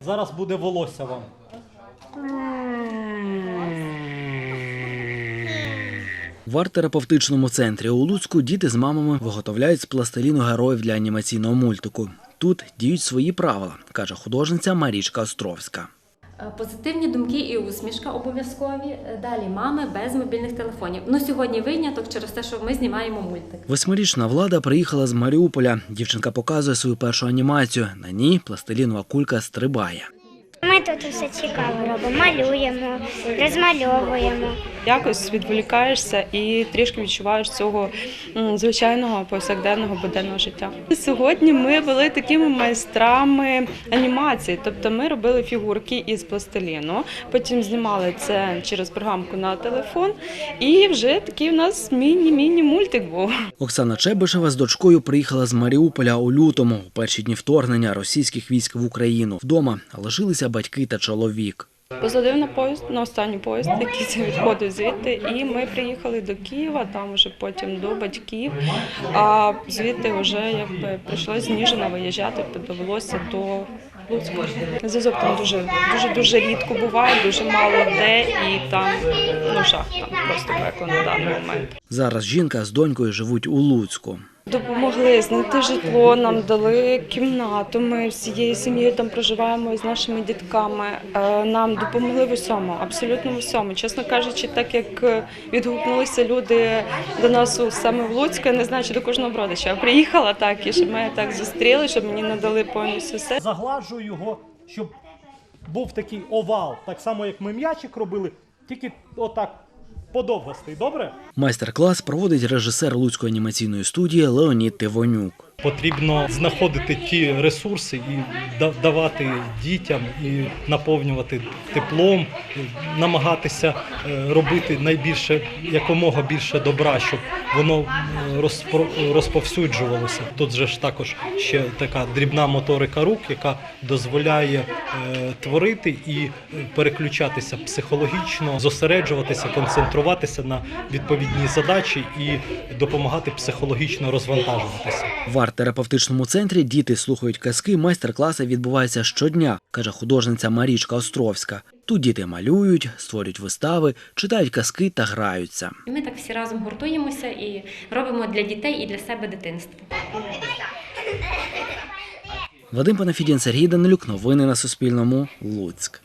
Зараз буде волосся вам. В арт-терапевтичному центрі у Луцьку діти з мамами виготовляють з пластиліну героїв для анімаційного мультику. Тут діють свої правила, каже художниця Марічка Островська. Позитивні думки і усмішка обов'язкові. Далі мами без мобільних телефонів. Сьогодні виняток через те, що ми знімаємо мультик. 8-річна Влада приїхала з Маріуполя. Дівчинка показує свою першу анімацію. На ній пластилінова кулька стрибає. Ми тут все цікаво робимо, малюємо, розмальовуємо. Якось відволікаєшся і трішки відчуваєш цього звичайного повсякденного буденного життя. Сьогодні ми були такими майстрами анімації, тобто ми робили фігурки із пластиліну, потім знімали це через програмку на телефон і вже такий у нас міні-мультик був. Оксана Чебишева з дочкою приїхала з Маріуполя у лютому, у перші дні вторгнення російських військ в Україну. Вдома лишилися батьки та чоловік. Посадив на поїзд, на останній поїзд, який відходив звідти, і ми приїхали до Києва, там вже потім до батьків, а звідти вже прийшлося з Ніжина виїжджати, довелося до Луцька. Зв'язок там дуже рідко буває, дуже мало де, і там жах, там просто пекло на даний момент. Зараз жінка з донькою живуть у Луцьку. Допомогли знайти житло, нам дали кімнату, ми всією сім'єю там проживаємо з нашими дітками. Нам допомогли в усьому, абсолютно в усьому. Чесно кажучи, так як відгукнулися люди до нас саме в Луцьку, я не знаю, чи до кожного родича. Я приїхала так, і щоб мене так зустріли, щоб мені надали повністю все. Загладжую його, щоб був такий овал, так само як ми м'ячик робили, тільки отак. Подовгостий, добре? Майстер-клас проводить режисер Луцької анімаційної студії Леонід Тивонюк. Потрібно знаходити ті ресурси і давати дітям, і наповнювати теплом, намагатися робити якомога більше добра, щоб воно розповсюджувалося. Тут же ж також ще така дрібна моторика рук, яка дозволяє творити і переключатися психологічно, зосереджуватися, концентруватися на відповідній задачі і допомагати психологічно розвантажуватися. В арт-терапевтичному центрі діти слухають казки, майстер-класи відбуваються щодня, каже художниця Марічка Островська. Тут діти малюють, створюють вистави, читають казки та граються. Ми так всі разом гуртуємося і робимо для дітей і для себе дитинство. Вадим Панафідін, Сергій Данилюк. Новини на Суспільному. Луцьк.